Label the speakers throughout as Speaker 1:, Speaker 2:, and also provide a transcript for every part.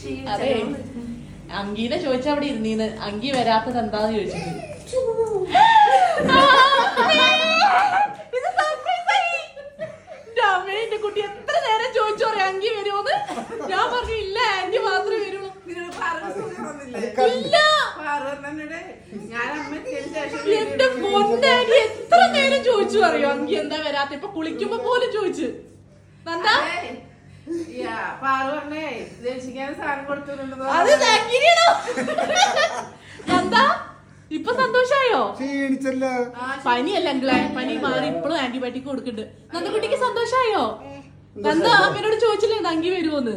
Speaker 1: അതെ അങ്കീനെ ചോദിച്ച അവിടെ ഇരുന്നീന്ന് അങ്കി വരാത്തത് എന്താന്ന് ചോദിച്ചിട്ട് എന്റെ കുട്ടി എത്ര നേരം ചോദിച്ചു പറയാം അങ്കി വരുമോന്ന് ഞാൻ പറഞ്ഞു ഇല്ല ആന്റി മാത്രമേ വരുള്ളൂ എന്റെ പൊന്നാന്റി എത്ര നേരം ചോദിച്ചു അറിയോ അങ്കി എന്താ വരാത്ത ഇപ്പൊ കുളിക്കുമ്പോ പോലും ചോദിച്ചു നന്ദാ അത് എന്താ ഇപ്പൊ സന്തോഷായോ പനിയല്ല അങ്കിളെ പനി മാറി ഇപ്പോഴും ആന്റിബയോട്ടിക് കൊടുക്കുന്നുണ്ട് നന്ദക്കുട്ടിക്ക് സന്തോഷായോ നന്ദ അമ്മയോട് ചോദിച്ചില്ലേ അങ്കി വരുമോന്ന്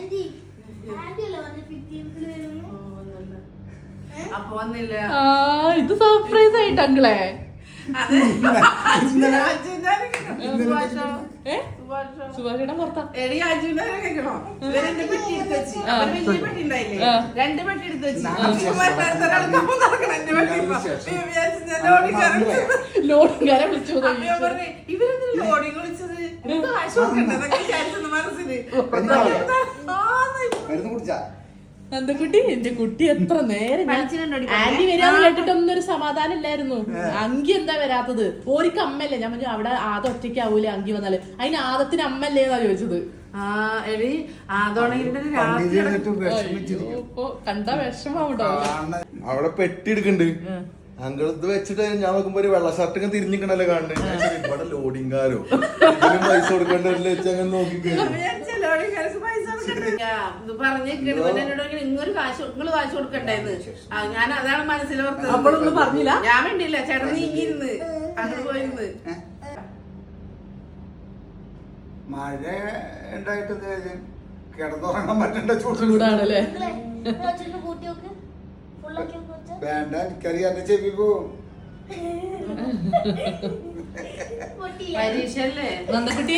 Speaker 1: ഇത് സർപ്രൈസ് ആയിട്ട് അങ്കിളെ സുഭാഷേട്ടൻ പുറത്താ ലോഡിങ്കാരെ വിളിച്ചു നന്ദക്കുട്ടി എന്റെ കുട്ടി എത്ര നേരം ആന്റി വരാന്ന് കേട്ടിട്ടൊന്നും ഒരു സമാധാനം ഇല്ലായിരുന്നു അങ്കി എന്താ വരാത്തത് ഓരിക്ക് അമ്മല്ലേ ഞാൻ പറഞ്ഞു അവിടെ ആദം ഒറ്റയ്ക്കാവൂലേ അങ്കി വന്നാല് അതിന് ആദത്തിന് അമ്മല്ലേന്നാ ചോദിച്ചത് കണ്ട വിഷമാവൂട്ടോ
Speaker 2: അവിടെ പെട്ടി എടുക്കണ്ട് അങ്കിൾ ഇത് വെച്ചിട്ട് ഞാൻ നോക്കുമ്പോ ഒരു വെള്ള ഷർട്ടൊക്കെ തിരിഞ്ഞിക്കണല്ലേ കാണുന്നത് ഇവിടെ ലോഡിങ്കാരോ ഇതിനും പൈസ കൊടുക്കേണ്ടവരില്ല വെച്ച് അങ്ങനെ നോക്കിക്കഴിഞ്ഞു
Speaker 3: ഇങ്ങൊരു കാശ് കൊടുക്കണ്ടേന്ന് ഞാൻ അതാണ് മനസ്സിലോർത്തത്
Speaker 1: നമ്മളൊന്നും പറഞ്ഞില്ല
Speaker 3: ഞാൻ വേണ്ടിയില്ല ചേട്ടൻ നീങ്ങിരുന്ന് അങ്ങനെ പോയിരുന്ന്
Speaker 4: മഴ ഉണ്ടായിട്ട് കിടന്നുറങ്ങാൻ പറ്റേണ്ട
Speaker 1: ചൂടാണല്ലേ
Speaker 4: വേണ്ട എനിക്കറിയാം എന്റെ ചെവി പോവും
Speaker 3: പരീക്ഷല്ലേ
Speaker 1: നന്ദക്കുട്ടി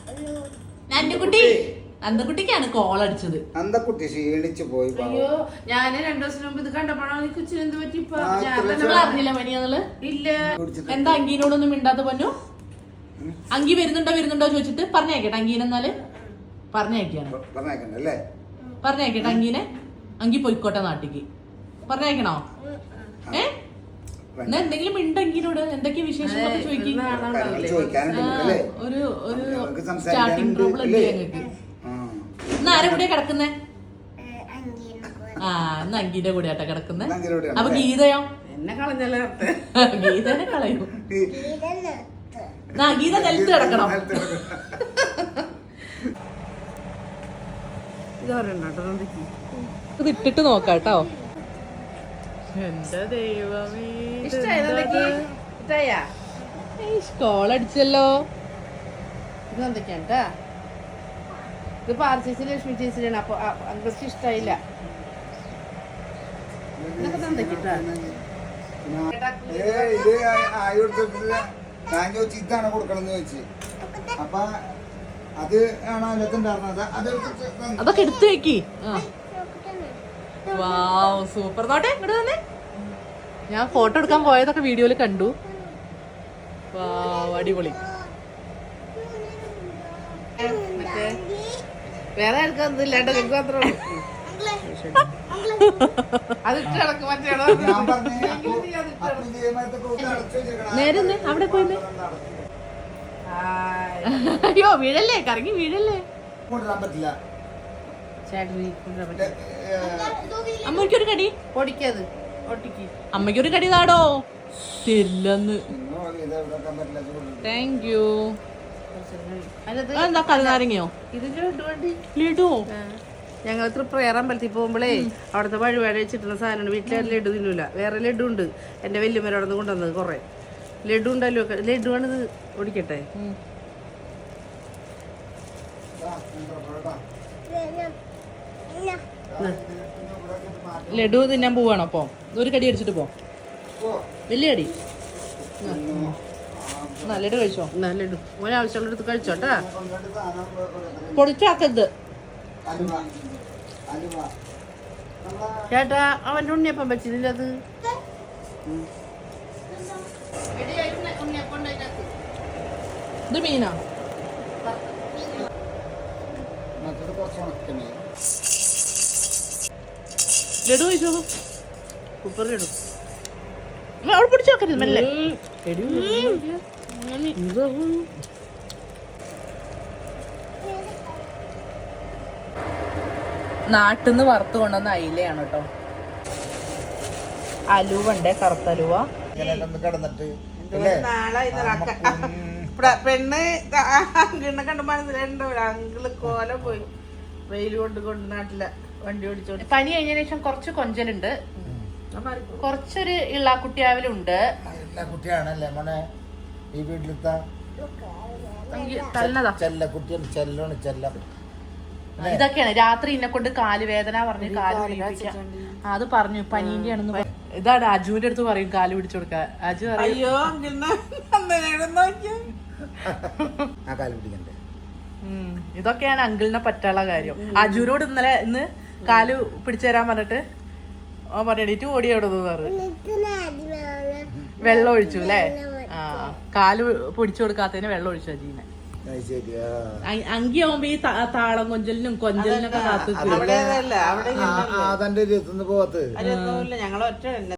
Speaker 1: നന്ദക്കുട്ടിക്കാണ് കോൾ അടിച്ചത്
Speaker 4: നന്ദക്കുട്ടി ക്ഷീണിച്ചു പോയി
Speaker 3: അയ്യോ ഞാന് 2 ദിവസം മുമ്പ് ഇത് കണ്ടപ്പോഴാണ് കൊച്ചിന് എന്ത് പറ്റി
Speaker 1: അറിഞ്ഞില്ല പനിയാന്നുള്ളത്
Speaker 3: ഇല്ല
Speaker 1: എന്താ അങ്കീനോടൊന്നും മിണ്ടാത്ത പൊന്നു അങ്കി വരുന്നുണ്ടോ ചോദിച്ചിട്ട് പറഞ്ഞേക്കട്ടെ അങ്കീനെന്നാല്
Speaker 4: പറഞ്ഞേക്കണ്ടല്ലേ
Speaker 1: പറഞ്ഞേക്കട്ടെ അങ്കീനെ അങ്കി പൊയ്ക്കോട്ടെ നാട്ടിക്ക് പറഞ്ഞേക്കണോ എന്തെങ്കിലും ഉണ്ടെങ്കിലോട് എന്തൊക്കെ വിശേഷങ്ങളൊക്കെ ചോദിക്കും ഒരു സ്റ്റാർട്ടിങ് പ്രോബ്ലം ഇല്ലേ ഞങ്ങൾക്ക് ഇന്ന് ആരെ കൂടെയാ കിടക്കുന്നേ ഇന്ന് അങ്കീന്റെ കൂടെയാട്ടാ കിടക്കുന്നേ അപ്പൊ ഗീതയോ
Speaker 3: എന്നെ കളഞ്ഞല്ലേ
Speaker 1: ഗീതനെ കളയൂ ഗീത നിലത്ത് കിടക്കണം ഇത് ഇട്ടിട്ട് നോക്കാട്ടോ എന്റെ ദൈവമേ കോളടിച്ചല്ലോ
Speaker 3: ഇത് എന്തൊക്കെയാ ഇത് പാർച്ചേസ് ലക്ഷ്മി ചേച്ചിയാണ് അപ്പൊ അങ്കൾക്ക് ഇഷ്ടായില്ല ഇതൊക്കെ എന്തൊക്കെയാ
Speaker 4: ഞാൻ ചോദിച്ചു ഇതാണ് കൊടുക്കണമെന്ന് ചോദിച്ചു അപ്പൊ അത് ആണോ അതിനകത്തുണ്ടായിരുന്നത്
Speaker 1: അതൊക്കെ എടുത്തു വെക്കി വാവ് സൂപ്പർ നോട്ടെ ഇങ്ങോട്ട് തന്നെ ഞാൻ ഫോട്ടോ എടുക്കാൻ പോയതൊക്കെ വീഡിയോയിൽ കണ്ടു വാവ് അടിപൊളി
Speaker 3: വേറെ ആർക്കൊന്നും ഇല്ലാണ്ട് നിങ്ങൾക്ക് മാത്രമേ
Speaker 1: നേരെ അവിടെ പോയി അയ്യോ വീഴല്ലേ കറങ്ങി വീഴല്ലേ
Speaker 4: പറ്റില്ല
Speaker 1: അമ്മയ്ക്കൊരു കടി
Speaker 3: പൊടിക്കത് ഒട്ടിക്ക്
Speaker 1: അമ്മയ്ക്കൊരു കടി താടോ തരില്ലെന്ന് താങ്ക് യു എന്താ കരുനാരങ്ങയോ ലഡുവോ
Speaker 3: ഞങ്ങൾ തൃപ്രയർ അമ്പലത്തിൽ പോകുമ്പോഴേ അവിടുത്തെ വഴിപാട് വെച്ചിട്ടുള്ള സാധനമാണ് വീട്ടിലെ ലഡു തിന്നൂല വേറെ ലഡു ഉണ്ട് എന്റെ വല്യമ്മ അവിടെ നിന്ന് കൊണ്ടുവന്നത് കുറെ ലഡു ഉണ്ടല്ലോ ലഡു ആണിത് ഓടിക്കട്ടെ
Speaker 1: ലഡു തിന്നാൻ പോവാണോ അപ്പൊ ഒരു കടി അടിച്ചിട്ട് പോ വലിയ കടി ലഡു കഴിച്ചോ
Speaker 3: ലഡു ഒരാവശ്യമുള്ള എടുത്ത് കഴിച്ചോട്ടാ
Speaker 1: പൊടിച്ചാക്കരുത്
Speaker 3: ചേട്ടാ അവന്റെ ഉണ്ണിയപ്പം വെച്ചില്ല അത്
Speaker 1: ഇത് മീനാ ലഡു കഴിച്ചോ, സൂപ്പർ ലഡു. അവിടെ പിടിച്ചു നോക്കരുത് മെല്ലെ. നാട്ടിന്ന് വറുത്ത് കൊണ്ടുവന്ന അയിലയാണ് കേട്ടോ. അലുവ ഉണ്ട്, കറുത്ത അലുവ.
Speaker 4: കിടന്നിട്ട്
Speaker 3: പെണ്ണ് അങ്കിളിനെ കണ്ട് മനസ്സിലുണ്ടോ? അങ്കിള് കോല പോയി വെയിൽ കൊണ്ട് നാട്ടില വണ്ടി ഓടിച്ചോണ്ട്.
Speaker 1: പനി കഴിഞ്ഞതിന് ശേഷം കുറച്ച് കൊഞ്ചലുണ്ട്, കുറച്ചൊരു ഇള്ളാക്കുട്ടിയാവലുണ്ട്.
Speaker 4: കുട്ടിയാണല്ലേ മോനെ ഈ വീട്ടിലത്തെ
Speaker 1: തല്ലതാ.
Speaker 4: ചെല്ലക്കുട്ടിയാണ്, ചെല്ലാണ് ചെല്ലം.
Speaker 1: ഇതൊക്കെയാണ് രാത്രി എന്നെ കൊണ്ട് കാല് വേദന പറഞ്ഞ് കാല് പിടിപ്പിക്കാം. അത് പറഞ്ഞു പനീന്റെ ആണെന്ന്. ഇതാണ് അജുവിന്റെ അടുത്ത് പറയും കാല് പിടിച്ചു കൊടുക്കാൻ. അജു പറയും
Speaker 3: അയ്യോ
Speaker 4: ആ കാല് പിടിക്കണ്ടേ.
Speaker 1: ഇതൊക്കെയാണ് അങ്കിളിനെ പറ്റുള്ള കാര്യം. അജുവിനോട് ഇന്ന് കാല് പിടിച്ചു തരാൻ പറഞ്ഞിട്ട് ഓ പറഞ്ഞിട്ട് ഓടി അവിടെ വെള്ളം ഒഴിച്ചു അല്ലേ. ആ കാല് പിടിച്ചു കൊടുക്കാത്തതിന് വെള്ളം ഒഴിച്ചു അജീനെ. അങ്കിയാവുമ്പോ ഈ താളം കൊഞ്ചലിനും കൊഞ്ചലിനൊക്കെ കാത്തു.
Speaker 4: അതെന്റെ പോകത്ത്
Speaker 3: ഞങ്ങൾ ഒറ്റ